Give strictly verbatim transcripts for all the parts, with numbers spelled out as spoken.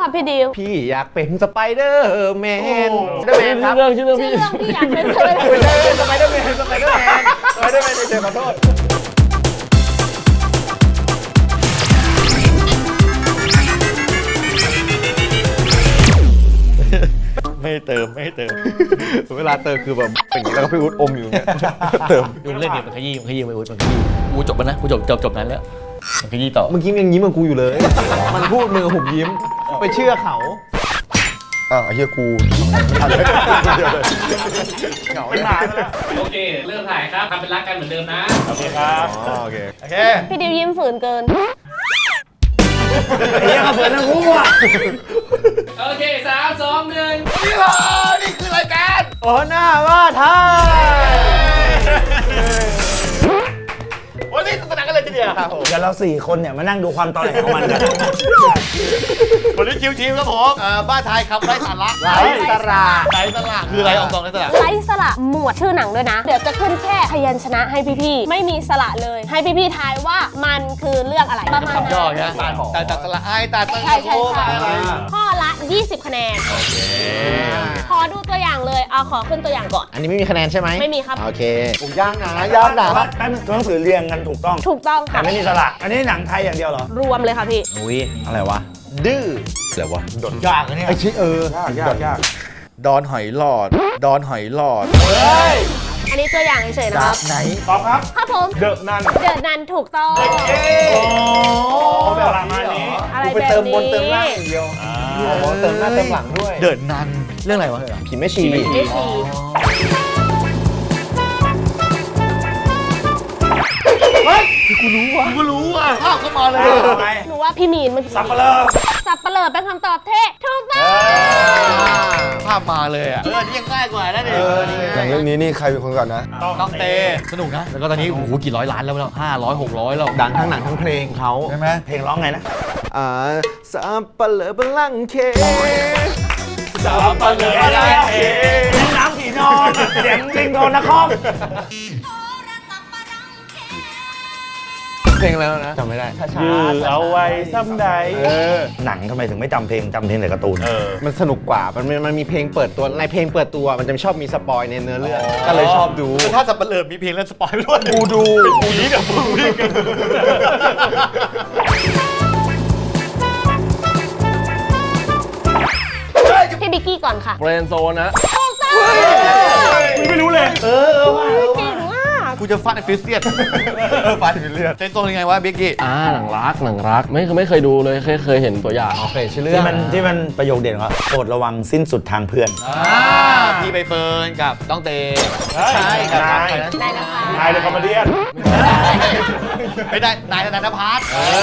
ค่ะพี่ดิวพี่อยากเป็นสไปเดอร์แมนสไปเดอร์แมนครับเรื่องชื่อเรื่องชื่อพี่เรื่องพี่อยากเป็นเลยไม่ใช่สไปเดอร์แมนสไปเดอร์แมนสไปเดอร์แมนเฉยๆขอโทษไม่เติมไม่เติมเวลาเติมคือแบบอย่างนี้แล้วก็พี่วุฒิอมอยู่เนี่ยเติมดูเล่นเนี่ยมันขยี้มันขยี้ไม่อุ้ยมันขยี้กูจบแล้วนะกูจบจบจบนั้นแล้วมันขยี้ต่อเมื่อกี้ยังยิ้มกับกูอยู่เลย มันพูดมือผมยิ้มไปเชื่อเขาอ้าวไอ้เหี้ยกูเหงาไม่มาแล้วโอเค เริ่มถ่ายครับทำเป็นรักกันเหมือนเดิมนะโอเคครับอ๋อโอเคโอเคพี่ดิวยิ้มฝืนเกินไอ้ยังเปิดนะกูอ่ะโอเคสามสองหนึ่งนี่เหรอนี่คือรายการโอ้หน้าว่าท้าวันนี้สนุกกันเลยทีเดียวครับผมเดี๋ยวเราสี่คนเนี่ยมานั่งดูความตอแหลของมันกันวันนี้ชิวๆครับผมบ้านไทยครับไร้สาระไร้สาระไร้สาระคืออะไรองค์กรไร้สาระไร้สระหมวดชื่อหนังด้วยนะ เดี๋ยวจะขึ้นแค่พยัญชนะให้พี่ๆไม่มีสระเลย ให้พี่ๆทายว่ามันคือเรื่องอะไรประมาณคำย่อนั้นใช่ไหมตาตัดสละไอตาตัดใช่ใช่ใช่อะไรข้อละยี่สิบคะแนนขอดูตัวอย่างเลยเอาขอขึ้นตัวอย่างก่อนอันนี้ไม่มีคะแนนใช่ไหมไม่มีครับโอเคผมยากนะยากนะแป๊บนึงตัวหนังสือเรียงกันถูกต้องถูกต้องแต่ค่ะไม่มีสระอันนี้หนังไทยอย่างเดียวเหรอรวมเลยค่ะพี่อุ้ยอะไรวะดื้ออะไรวะยากนะเนี่ยไอชิเออยากยากดอนหอยหลอด ดอนหอยหลอดอันนี้ตัวอย่างเฉยๆนะครับไหนตอบครับครับผมเดอะนันเดินนันถูกต้องเขาแบบประมาณนี้อะไรกูไปแบบเติมบนนี้เติมล่างอย่างเดียวโอ้โหเติมหน้าเติมหลังด้วยเดินนันเรื่องอะไรวะผีแม่ชีไม่ชีกูรู้อ่ะภาพเข้ามาเลยหนูว่าพี่มีนเมื่อกี้สับปะเลอสับเปลือเป็นคำตอบที่ถูกต้องภาพมาเลยอ่ะเออนี่ยังง่ายกว่านะเนี่ยหนังเรื่องนี้นี่ใครเป็นคนก่อนนะต้องเตสนุกนะแล้วก็ตอนนี้โอ้โหกี่ร้อยล้านแล้วแล้วห้าร้อยหกร้อยแล้วดังทั้งหนังทั้งเพลงเขาใช่ไหมเพลงร้องไงนะอ่าสับปะเลอบัลลังก์เคสับปะเลอเสียงน้ำผีนอนเสียงลิงโดนนะคอมเพลงแล้วนะจำไม่ได้ช้ายือเอาไว้ซ้ำใดเออหนังทำไมถึงไม่จำเพลงจำเพลงแต่การ์ตูนมันสนุกกว่า มันมันมีเพลงเปิดตัว ในเพลงเปิดตัว มันจะชอบมีสปอยในเนื้อเรื่อง ก็เลยชอบดูถ้าสับปะเลอมีเพลงเล่นสปอยล์ด้วยกูดูกูนี้กับกูนี่กันพี่บิกกี้ก่อนค่ะเฟรนโซนนะถูกต้องไม่รู้เลย เออว่าเก่งมากกูจะฟาดไอ้ฟิสเซียนฟาดไอ้ฟิสเซียนเต้นโซนยังไงวะบิ๊กกี้อ่าหนังรักหนังรักไม่ไม่เคยดูเลยเคยเคยเห็นตัวอย่างโอเคชื่อเรื่อที่งมันที่มันประโยคเด่นของเขาโปรดระวังสิ้นสุดทางเพื่อนอ่าพี่ใบเฟิร์นกับต้องเตใช่กับนายใครนะได้นะคะนายเดอะคอมเมดี้ไม่ได้นายธนาพัฒน์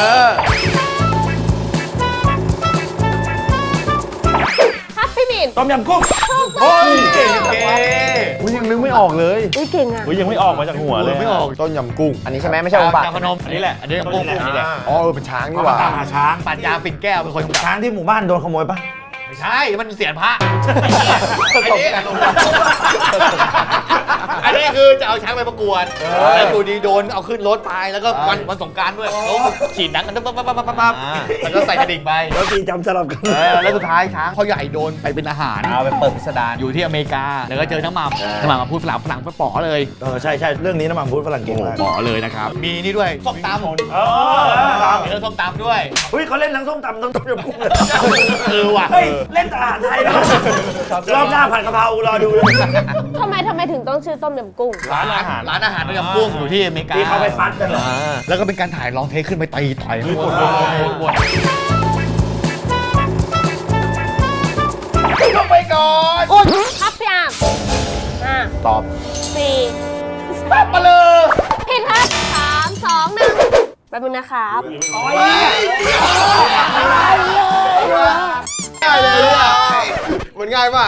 ครับพี่มีนต้มยำกุ้งโอ้ยเก่งเก่งอุ้ยยังนึกไม่ออกเลยอุ้ยเก่งอ่ะยังไม่ออกมาจากหัวเลยไม่ออกต้นยำกุ้ง อันนี้ใช่ไหมไม่ใช่องค์บากจาพนมอันนี้แหละอันนี้กุ้งกุ้งนี่แหละอ๋อเออเป็นช้างนี่ก็หมาว่าตามหาช้างปัญญาปิ่นแก้วเป็นคนกำกับช้างที่หมู่บ้านโดนขโมยปะไม่ใช่มันเสียนพระอันนี้อันนี้คือจะเอาช้างไปประกวดแล้วอยู่ดีโดนเอาขึ้นรถไปแล้วก็วันวันสงกรานต์ด้วยเขาฉีดหนังกันปั๊บปั๊บปั๊บปั๊บปั๊บแล้วก็ใส่กระดิ่งไปแล้วทีจำสลับกันเออแล้วสุดท้ายช้างเขาใหญ่โดนไปเป็นอาหารเอาไปเปิดพิสดารอยู่ที่อเมริกา แล้วก็เจอน้ำหม่ำน้ำหม่ำมาพูดฝรั่งฝรั่งไปป๋อเลยเออใช่ใช่เรื่องนี้น้ำมันพูดฝรั่งเก่งมากป๋อเลยนะครับ มีนี่ด้วยส้มตำเออมีเรื่องส้มตำด้วยเฮ้ยเขาเล่นทั้งส้มตำทั้งต้มยำกุ้งเลยเออว่ะเฮ้ยเล่นแต่อาหารไทยนะรอบหน้าผัดกะเพรารอดูเลยทำไมทำไมถึงต้องชื่อต้มยำกุ้งร้านอาหารร้านอาหารต้มยำกุ้งอยู่ที่อเมริกาที่เขาไปฟัดกันเหรอแล้วก็เป็นการถ่ายลองเทคขึ้นไปตีต่อยข้างบนบนลงไปก่อนอุ่นครับพี่อาร์มห้าตอบสี่สับปะเลยผิดครับสามสองหนึ่งแป๊บนึงนะครับง่ายเลยอ่ะมันง่ายมาก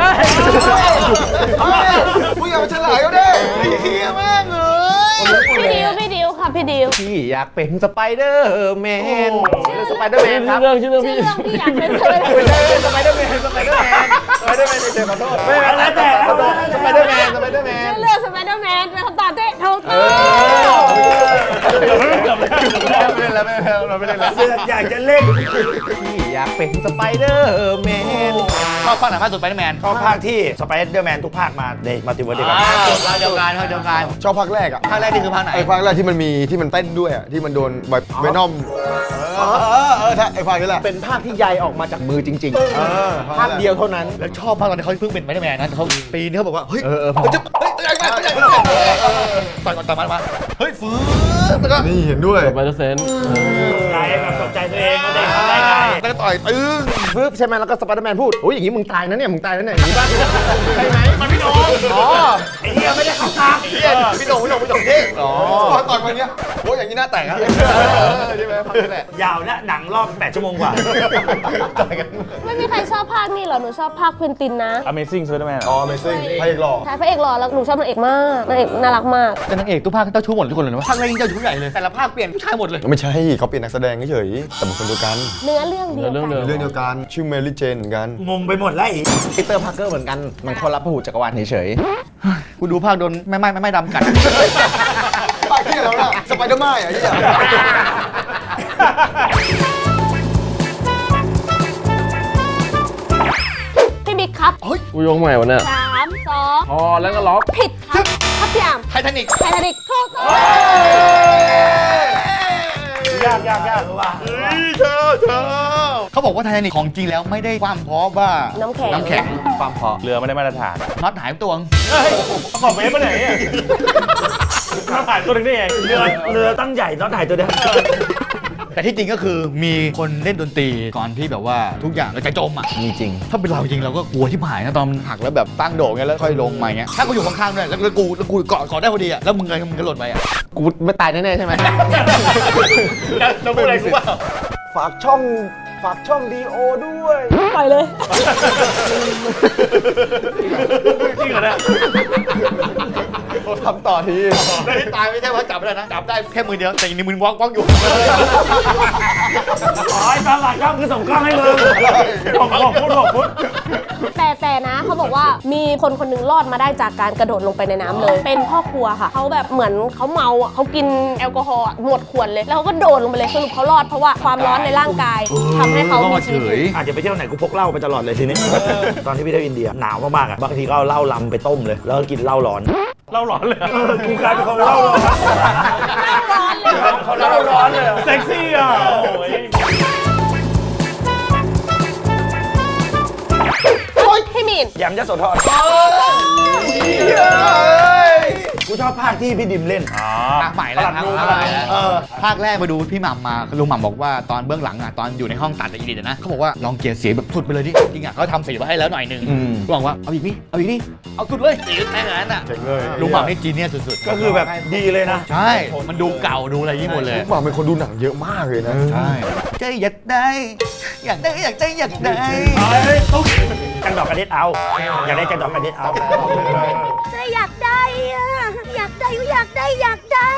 มึงอย่ามาเฉลยเขาดิเฮียแม่งเลยพี่ดิวพี่ดิวค่ะพี่ดิวพี่อยากเป็นสไปเดอร์แมนสไปเดอร์แมนครับเรื่องชื่อเรื่องชื่อพี่เรื่องพี่อยากเป็นเลยไม่ใช่สไปเดอร์แมนสไปเดอร์แมนสไปเดอร์แมนเฉยๆขอโทษไม่ไม่แล้วแต่ขอโทษสไปเดอร์แมนสไปเดอร์แมนชื่อเรื่องสไปเดอร์แมนเป็นคำตอบที่ถูกต้องเกือบไม่เล่นแล้วไม่เล่นแล้วเราไม่เล่นแล้วเสือกอยากจะเล่นพี่อยากเป็นสไปเดอร์แมนชอบภาคไหนมากสุดไปแมนชอบภาคที่สไปเดอร์แมนทุกภาคมาในมัลติเวิร์สเดียวกันภาคเดียวกันภาคเดียวกันชอบภาคแรกอ่ะภาคแรกนี่คือภาคไหนไอ้ภาคแรกที่มันมีที่มันเต้นด้วยอ่ะที่มันโดนไวเวนอมเออเออถ้าไอ้ภาคนี้แหละเป็นภาคที่ใยออกมาจากมือจริงๆเออภาคเดียวเท่านั้นแล้วชอบภาคตอนที่เขาเพิ่งเป็นไปแมนนะเขาปีนี้เขาบอกว่าเฮ้ยเออเออจะเฮ้ยใหญ่มากใหญ่มากต่อยก่อนต่อยมามาเฮ้ยฟื้นแล้วก็นี่เห็นด้วยไปเดอร์เซนใจแบบตกใจตัวเองเขาได้ทำได้ไงแล้วก็ต่อยตึ้งปึ๊บใช่ไหมแล้วก็สไปเดอร์แมนพูดโอ้ยอย่างนี้มึงตายนะเนี่ยมึงตายนะเนี่ยอย่างนี้ป่ะใช่ไหมมันไม่โดนอ๋อไอ้เหี้ยไม่ได้เข้าทางเฮียพี่โดงพี่โดงพี่โดงที่อ๋อพอต่อยมาเนี้ยโอ้ยอย่างนี้หน้าแตกอะใช่ไหมภาคนี้แหละยาวนะหนังรอบแปดชั่วโมงกว่าต่อยกันไม่มีใครชอบภาคนี้เหรอ หนูชอบภาคควินตินนะ Amazing Spider-Man อ๋อ Amazing พระเอกหล่อใช่พระเอกหล่อแล้วหนูชอบนางเอกมากนางเอกน่ารักมากแต่นางเอกทุกภาคเจ้าชู้หมดทุกคนเลยนะภาคแรกยิ่งเจ้าชู้ใหญ่เลยแต่ละภาคเปลี่ยนผู้ชายหมดเลยไม่ใช่เขาเปลี่ยนนักแสดงเฉยๆแต่เป็นคนเดียวกันเนื้อเรื่องเดียวเรื่องกัเดิมเรื่องเดียวกันชื่อเมลี่เจนเหมือนกันงงไปหมดแล้วไอ้ปีเตอร์พาร์เกอร์เหมือนกันมันคนรับพหูจักรวาลเฉยกูดูภาคโดนไม่ไม่ไม่ไม่ดำกัดๆภาคที่แล้วน่ะสไปเดอร์แมนอ่ะที่พี่บิ๊กครับกูยงใหม่วะเนี่ยสามสองพอแล้วก็ล็อกผิดครับครับพี่อามไททานิกไททานิกถูกต้องยากยากยากว่ะเธอเธอเขาบอกว่าไททานิกของจริงแล้วไม่ได้ความเพราะว่าน้ำแข็งน้ำแข็งความพอเรือไม่ได้มาตรฐานน็อตหายตัวงเฮ้ยขอบเวฟไปไหนอ่ะมาถ่ายตัวหนึงได้เองเรือเรือตั้งใหญ่น็อตถ่ายตัวเดียวแต่ที่จริงก็คือมีคนเล่นดนตรีก่อนที่แบบว่าทุกอย่างเราจะจมอ่ะมีจริงถ้าเป็นเราจริงเราก็กลัวที่หายนะตอนมันหักแล้วแบบตั้งโด่งเงี้ยแล้วค่อยลงมาเงี้ยถ้ากูอยู่ข้างๆด้วยแล้วกูแล้วกูเกาะเกาะได้พอดีอ่ะแล้วมึงไงมึงก็หล่นไปอ่ะกูไม่ตายแน่ๆใช่ไหมเราพูดอะไรกูว่าฝากช่องฝากช่องดีโอด้วยปล่อยเลยจริงเหรอเนี่ยทำต่อทีแล้วที่ตายไม่ใช่ว่าจับไม่ได้นะจับได้แค่มือเดียวแต่ยังในมือวอกวอกอยู่อ๋อไอ้ตาหลักกล้องคือส่งกล้องให้มึงหกหกฟุตหกฟุตแต่แต่นะเขาบอกว่ามีคนคนหนึงรอดมาได้จากการกระโดดลงไปในน้ำเลย เป็นพ่อครัวค่ะเขาแบบเหมือนเขาเมาอ่ะเขากินแอลกอฮอล์อะหมดขวดเลยแล้วเขาก็โดดลงไปเลยสรุปเขารอดเพราะว่าความร้อนในร่างกายทำให้เขามีชีวิตอยู่อาจจะไปเที่ยวไหนกูพกเหล้าไปตลอดเลยทีนี้ ตอนที่พี่เที่ยวอินเดียหนาวมากๆอ่ะบางทีก็เอาเหล้าลำไปต้มเลย แล้วก็กินเหล้าร้อนเหล้าร้อนเลยกูกลายเป็นคนเหล้าร้อนเหล้าร้อนเลยเซ็กซี่อ่ะโอ้ยพี่มีนยำยโสธรกูชอบภาคที่พี่ดิมเล่นภาคใหม่แล้วภาคภาคนู้นใหม่แล้วภาคแรกมาดูพี่หม่ำมาลุงหม่ำบอกว่าตอนเบื้องหลังอ่ะตอนอยู่ในห้องตัดกับอีดิทนะเขาบอกว่าลองเกลียร์เสียงแบบสุดไปเลยดิจริงอ่ะเขาทำเสียงมาให้แล้วหน่อยนึงลุงบอกว่าเอาอีกนี่เอาอีกนี่เอาสุดเลยเสียงแค่นั้นอ่ะลุงหม่ำนี่จีเนียสสุดๆก็คือแบบดีเลยนะใช่มันดูเก่าดูอะไรยี่หมดเลยหวังเป็นคนดูหนังเยอะมากเลยนะใช่ใจอยากได้อยากได้อยากได้อยากได้จังดอกกระเด็ดเอา อยากได้จังดอกกระเด็ดเอาจะอยากได้อะอยากได้อยากได้อยากได้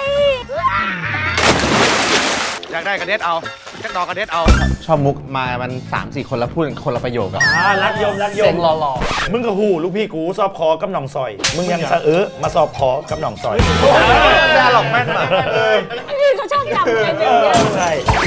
อยากได้กระเด็ดเอาจักดอกกระเด็ดเอาชอบมุกมามัน สามสี่ คนแล้วพูดคนละประโยคอะอ่ารักยมรักยเสียมงหล่อมึงกับหูลูกพี่กูสอบคอกับหนองซอย มึงยังสะเออมาสอบคอกับหนองซอยๆได้หรอกแม่นมากพี่เขาชอบจำอะไรแบบเนี้ยใช่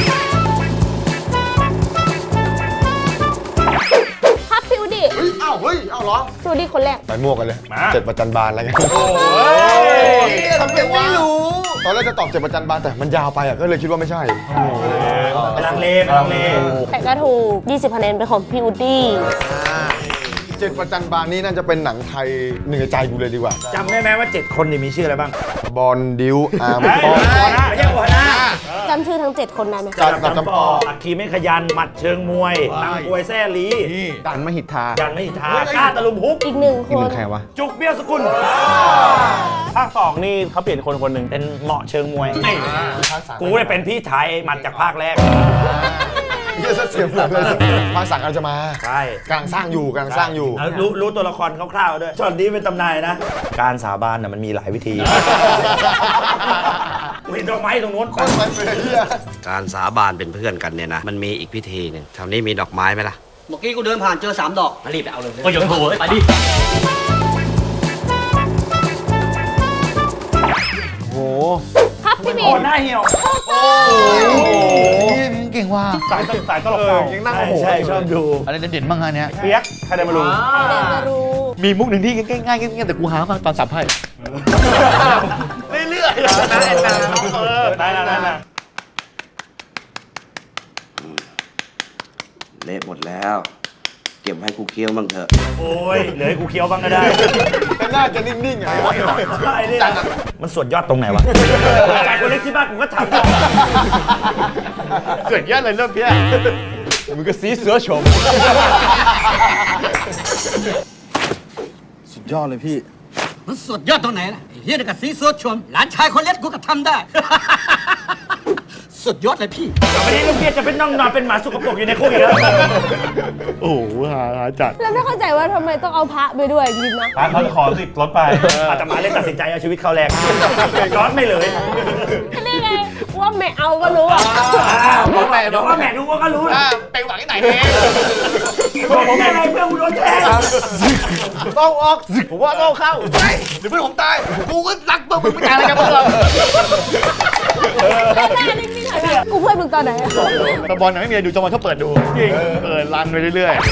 ครับพี่อุดิเฮ้ยอ้าวเฮ้ยอ้าวเหรอพี่อุดิคนแรกใส่หมวกกันเลยเจ็ดประจันบานอะไรเงี้ยทำเป็นไม่รู้ตอนแรกจะตอบเจ็ดประจันบานแต่มันยาวไปอ่ะก็เลยคิดว่าไม่ใช่ไปลังเลไปลังเลแต่ก็ถูกยี่สิบคะแนนเป็นของพี่อุดี้เจ็ดประจันบานนี่น่าจะเป็นหนังไทยหนึ่งในใจกูเลยดีกว่าจำได้ไหมว่าเจ็ดคนนี่มีชื่ออะไรบ้างบอลดิวอาร์มเฮ้ยปอหัวหน้าไม่ใช่หัวหน้าจำชื่อทั้งเจ็ดคนได้ไหมจัดกับจำปออักคีไม่ขยันหมัดเชิงมวยตังกวยแซ่ลีนี่ดันมหิทธายันไม่ทากล้าตะลุมฮุกอีกหนึ่งคอีกหนนึ่งใครวะจุกเบี้ยวสกุลภาคสองนี่เขาเปลี่ยนคนคนหนึ่งเป็นเหมาะเชิงมวยกูได้เป็นพี่ชายหมัดจากภาคแรกเยอะเสียงเหมือนเลยภาคสังกำลังจะมาใช่กำลังสร้างอยู่กำลังสร้างอยู่แล้วรู้รู้ตัวละครคร่าวๆด้วยช็อตนี้เป็นตำนานนะ การสาบานน่ะมันมีหลายวิธีเห็นดอกไม้ตรงนู้นคนไปเลยเฮียการสาบานเป็นเพื่อนกันเนี่ยนะ มันมีอีกพิธีหนึ่งแถวนี้มีดอกไม้ไหมล่ะเมื่อกี้กูเดินผ่านเจอสามดอกมารีบไปเอาเลยก็ยังโถไปดิโหครับพี่มีมีโอ้หน้าเหี่ยวพี่มึงเก่งว่ะสายสายตลกเก่ายังนั่งโอ้โหใช่ชอบดูอะไรเด่นๆบ้างงานเนี้ยเปียกใครได้มารู้เดนมารูมีมุกหนึ่งที่ง่ายๆง่ายๆแต่กูหามาตอนสับไพ่เรื่อยๆนะแอนนาเออได้แล้วได้แล้วเละหมดแล้ว เก็บให้กูเคี้ยวบ้างเถอะโอ้ยเหลือให้กูเคี้ยวบ้างก็ได้แต่น่าจะนิ่งๆอ่ะไอ้นี่มันส่วนยอดตรงไหนวะจากคนเล็กที่บ้านกูก็ทำต่อเกิดยอดเลยเริ่มเพี้ยมึงก็ซีเสือชมสุดยอดเลยพี่มันสุดยอดตรงไหนล่ะไอ้เฮียนี่กับซีซัวชมหลานชายคนเล็กกูก็ทำได้ สุดยอดเลยพี่ต่อไปนี้ลูกเพียจะเป็นน้องนอนเป็นหมาสกปรกอยู่ในคุกอีกแล้วโอ้โหหาจัดแล้วไม่เข้าใจว่าทำไมต้องเอาพระไปด้วยจริงๆนะพาเขาจะขอติดรถไปอาตมาเลยตัดสินใจเอาชีวิตเขาแลกร้อนไม่เลยนี่ไงว่าไม่เอาก็รู้อ่ะบอกแม่เดี๋ยวว่าแม่รู้ว่าก็รู้นะไปหวังที่ไหนเองบอกผมยังไงเพื่อนกูโดนแทงต้องออกผมว่าต้องเข้าไปเดี๋ยวเพื่อนผมตาย กูก็รักมึงมึงไม่ตายอะไรกันพวกเราแม่นิ่งๆหน่อยนะกูเพื่อนมึงตอนไหนอะตะบอลไม่มีอะไรดูจอมันเขาเปิดดูจริงเปิดรันไปเรื่อย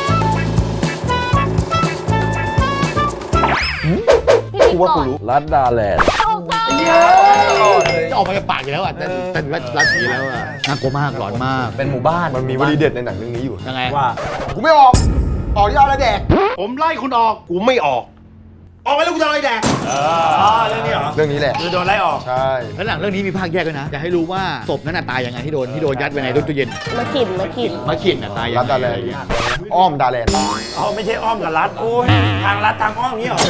พี่บิ๊กก่อนรัดดาแลนด์เข้าตาๆจะออกมาจากปากอยู่แล้วอ่ะแต่แต่รัดรัดอย่างนี้แล้วอ่ะน่ากลัวมากหลอนมากเป็นหมู่บ้านมันมีวลีเด็ดในหนังเรื่องนี้อยู่ยังไงว่ากูไม่ออก ออกที่เอาอะไรแดกผมไล่คุณออก กูไม่ออก ออกไปแล้วกูจะอะไรแดกอ๋อเรื่องนี้เหรอเรื่องนี้แหละคือโดนไล่ออกใช่แล้วหลังเรื่องนี้มีภาคแยกด้วยนะอยากให้รู้ว่าศพนั้นน่ะตายยังไงที่โดนที่โดนยัดไว้ในตู้เย็นมาขินมาขินมาขีดน่ะตายยังรัดไงดาแลนด์อ้อมดาแลนด์อ๋อไม่ใช่อ้อมกับรัดโอ้ยทางรัดทางอ้อมนี้เหรอ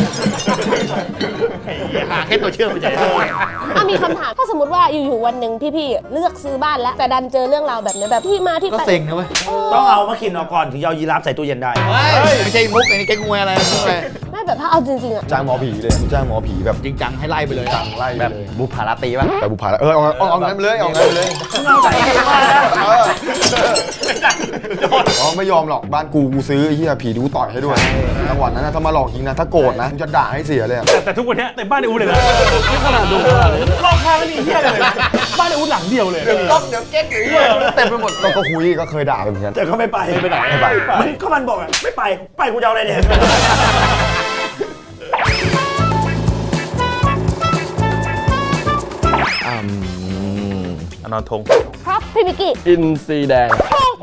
หาแค่ตัวเชื่อมไปเฉยอ่ะมีคำถามถ้าสมมติว่าอยู่ๆวันหนึ่งพี่ๆเลือกซื้อบ้านแล้ว แต่ดันเจอเรื่องราวแบบนี้แบบที่มาที่ก็ไปเซ็งนะเว้ยต้องเอามะขินออกก่อนถึงจะเอายีราฟใส่ตู้เย็นได้ไม่ใช่มุกไอ้นี่แกงวยอะไรมุกอะไรไม่แบบถ้าเอาจริงๆอ่ะจ้างหมอผีเลยจ้างหมอผีแบบจริงจังให้ไล่ไปเลยจังไล่แบบเลยบุพาราตรีป่ะแต่บุพาแล้วเออเอาเอาเอางั้นไปเลยเอางั้นไปเลยเอาใส่ยีราฟแล้วเอออ๋อไม่ยอมหรอกบ้านกูกูซื้อไอ้เหี้ยผีดูต่อยให้ด้วยจังหวะนั้นนะถ้ามาหลอกจริงนะถ้าโกรธนะกูจะด่าให้เสียเลยอะแต่แต่ทุกวันนี้เต็มบ้านในอูเลยนะขนาดดูรอบข้างก็มีเหี้ยเลยบ้านในอูหลังเดียวเลยต้องเดี๋ยวเก๊กหรือเต็มไปหมดก็คุยก็เคยด่าไปเหมือนกันแต่เขาไม่ไปไม่ไปไม่ไปมันก็มันบอกอ่ะไม่ไปไปกูจะเอาอะไรเนี่ยอนอนทงครับพี่บิกกี้อินซีแดง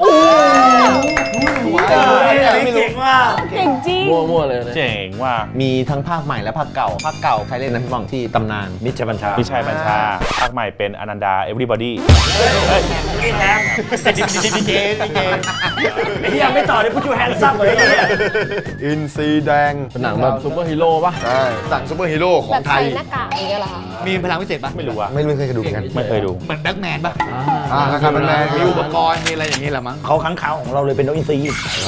เจ๋งว่ะเก่งจริงมั่วๆเลยนะเจ๋งว่ะมีทั้งภาคใหม่และภาคเก่า ภาคเก่าใครเล่นนะพี่บองที่ตำนานมิตรชัยบัญชาพี่ชายบัญชา ภาคใหม่เป็นอนันดา everybody นี่แทงดีเจดีเจไอ้เหี้ยไม่ต่อเลยพูดจูแฮนซัมเลยไอ้เหี้ยอินซีแดงเป็นหนังแบบซูเปอร์ฮีโร่ป่ะใช่สั่งซูเปอร์ฮีโร่ขอแบงบไทใส่ยหน้ากากอย่างเงี้ยเหรอคะมีพลังพิเศษปะไม่รู้อ่ะไม่รู้เคยดูเหมือนกันไม่เคยดูเหมือนแบ็กแมนปะอ่านะครับเป็นแมนมีอุปกรณ์มีอะไรอย่างนี้แหละมั้งเขาค้างคาวของเราเลยเป็นนกอินทรีใช่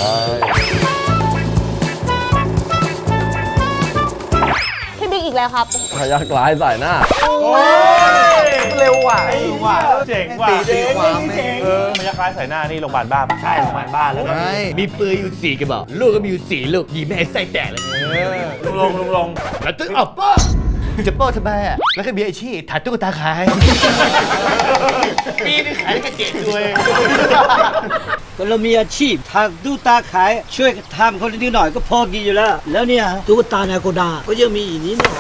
พี่บิ๊กอีกแล้วครับพยักร้ายสายหน้าเร็วว่ะว่าเจ๋งว่ะเจ๋งเจ๋งเออพยักร้ายใส่หน้านี่โรงพยาบาลบ้าปะใช่โรงพยาบาลบ้านแล้วก็ใช่มีปืนอยู่สี่กระบอกลูกก็มีอยู่สี่ลูกยิงไม่ให้ไส้แตกเลยลุงลงลุงลงแล้วตึ้งออกป้อจะโป้ทำไมอ่ะแล้วก็มีอาชีพถัดตุ๊กตาขายปีนึงขายได้แค่เจ็ดตัวเองก็เรามีอาชีพทางดูตาขาย ช่วยทำคนนิดหน่อยก็พอกินอยู่แล้ว แล้วเนี่ยตุ๊กตานาโกดา ก็ยังมีอีกนิดหน่อย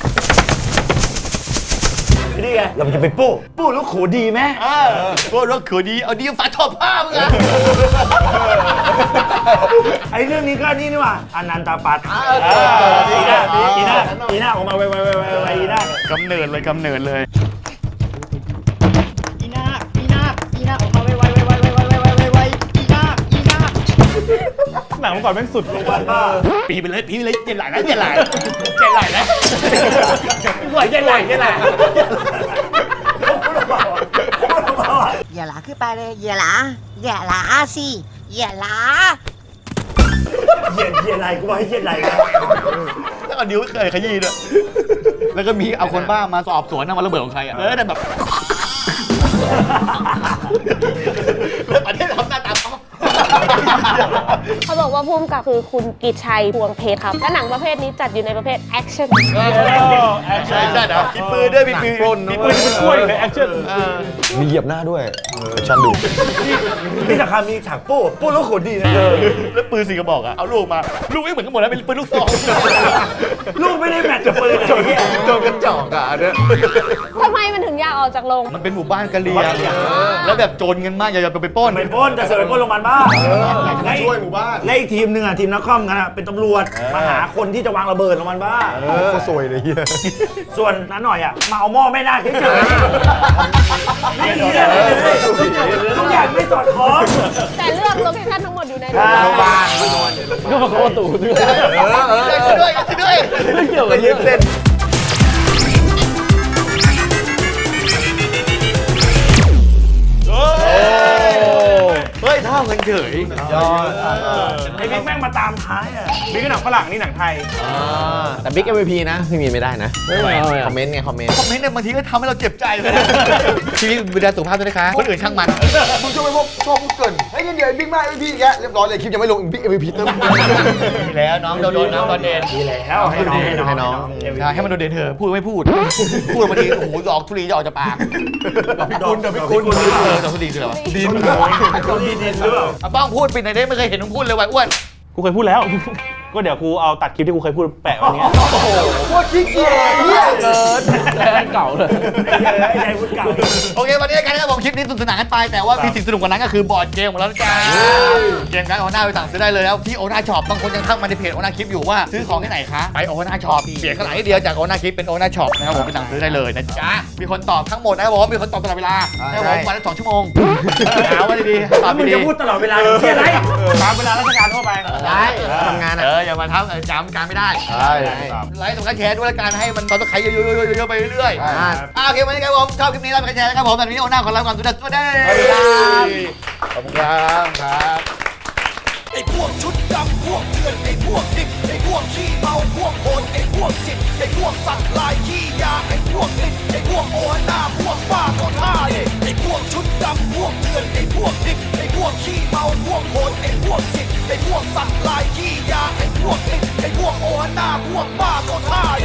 นี่ไงเราจะไปปู้ปู้ลูกขูดีไหมพวกรถขืนดีเอาดีฝาทอผ้ามึงอ่ะไอ้เรื่องนี้ก็นี่นี่ว่ะอนันตปัตอีน่าอีน่าอีน่าออกมาไวไวไวไวไวอีน่ากำเนิดเลยกำเนิดเลยอีนาอีนาอีนาออกมาไวไวไวไวไวไวไวไวไวอีนาอีนาหนังเมื่อก่อนแม่งสุดโรงพยาบาลบ้าปีไปเลยปีไปเลยเจ็ดหลายนะเจ็ดหลายเจ็ดหลายนะหวยเจ็ดหลายเจ็ดหลายอย่าหลาขึ้นไปเลยอย่าหลาอย่าหลาสิอย่าหลาเย็นเย็นไรกูบอกให้เย็นไรนะแล้วก็นิ้วเคยขยี้ด้วยแล้วก็มีเอาคนบ้ามาสอบสวนนะมาระเบิดของใครอ่ะเออแต่แบบแล้วประเทศทำหน้าตาเขาบอกว่าพุ่มกับคือคุณกิตชัยพวงเพชรครับและหนังประเภทนี้จัดอยู่ในประเภทแอคชั่นใช่ใช่นะมีปืนด้วยมีปืนปล้นมีปืนเป็นกล้วยเลยแอคชั่นมีเหยียบหน้าด้วยชันดูที่สำคัญมีฉากโป้โป้แล้วขนดีนะแล้วปืนสี่กระบอกอะเอาลูกมาลูกไม่เหมือนกันหมดแล้วเป็นปืนลูกซองลูกไม่ได้แมทกับปืนโจนโจนกระจอกอ่ะอันเนี้ยทำไมมันถึงอยากออกจากโรงมันเป็นหมู่บ้านกะเหรี่ยงแล้วแบบโจรเงินมากอย่าไปปล้นไปปล้นจะเสือไปปล้นโรงพยาบาลบ้าอยากจะมาช่วยหมู่บ้านและอีกทีมหนึ่งอ่ะทีมนักคอมกันอ่ะเป็นตำรวจมาหาคนที่จะวางระเบิดโรงพยาบาลบ้าเออก็สวยเลยเฮียส่วนนั้นหน่อยอ่ะมาเอาหม้อแม่นาคเฉยๆไม่มีอะไรเลยทุกอย่างไม่สอดคล้องแต่เรื่องโลเคชั่นทั้งหมดอยู่ในโรงพยาบาลก็มาโคตรตู่ด้วยเออเออช่วยด้วยช่วยด้วยไม่เกี่ยวไปกับยืเรื่องนเส้นเฮ้ยเท่ากันเฉยยอดไอ้บิ๊กแม่งมาตามท้ายอ่ะนี่ก็หนังฝรั่งนี่หนังไทยแต่บิ๊ก เอ็ม วี พี นะพี่มีนไม่ได้นะไม่เอาคอมเมนต์ไงคอมเมนต์คอมเมนต์เนี่ยบางทีก็ทำให้เราเจ็บใจเลย ชีวิตดูแลสุขภาพด้วยนะคะคนอื่นช่างมันมึงชอบไปพวกชอบพูดเกินเฮ้ยเดี๋ยวบิ๊กมากบิ๊กแกเรียบร้อยเลยคลิปยังไม่ลงบิ๊ก เอ็ม วี พี เติมดีแล้วน้องโดนน้องโดนเด่นดีแล้วให้น้องให้น้องให้น้องใช่ให้มันโดนเด่นเถอะพูดไม่พูด พูดบางทีโอ้โหดอกทุลีจะออกจากปากพี่คุณเดี๋ยวพี่คุณเออดอกทุลีคืออะไรวะดินดินดินหรือเปล่าอ่ะบ้องพูดไปไหนได้ไม่เคยเห็นมึงพูดเลยว่ะอ้วนกูเคยพูดแล้ว ก็เดี๋ยวกูเอาตัดคลิปที่กูเคยพูดแปะไว้เนี้ยโคตรขี้เกียจเฮียเกินแรงเก่าเลยไอ้ใจพูดเก่าโอเควันนี้กันนะครับผมคลิปนี้สนุกสนานกันไปแต่ว่ามีสิ่งสนุกกว่านั้นก็คือบอร์ดเกมของเราจ้าเกมการโอน่าไปสั่งซื้อได้เลยแล้วที่โอน่าช็อปบางคนยังทักมาในเพจโอน่าคลิปอยู่ว่าซื้อของที่ไหนคะไปโอน่าช็อปเปลี่ยนข้างหลังนิดเดียวจากโอน่าคลิปเป็นโอน่าช็อปนะครับผมไปสั่งซื้อได้เลยนะจ๊ะมีคนตอบทั้งหมดนะครับผมมีคนตอบตลอดเวลานะครับผมวันละสองชั่วโมงหาว่าดีๆตอบมึงดีจะพูดตลอดเวลาเชี่ยไรตามเวลาราชการทั่วไปได้ทำงานเออ่ะออย่ามาทำจำการไม่ได้ใช่ไลค์สำคัญแชร์ด้วยละกันให้มันตอนตะไคร้เยอะๆๆๆไปเรื่อยๆอ่าอ่าโอเควันนี้ครับผมชอบคลิปนี้ไลค์สำคัญแชร์นะครับผมตอนนี้โอน่าขอลาก่อนสุดท้ายสวัสดีขอบคุณครับครับไอ้พวกชุดดำพวกเถื่อนไอ้พวกดิบไอ้พวกขี้เมาพวกโหดไอ้พวกจิตไอ้พวกสัตว์ลายขี้ยาไอ้พวกลิ้นไอ้พวกโอหน้าพวกบ้าก็ท่าเนี่ยไอ้พวกชุดดำพวกเถื่อนไอ้พวกดิบไอ้พวกขี้เมาพวกโหดไอ้พวกจิตไอ้พวกสัตว์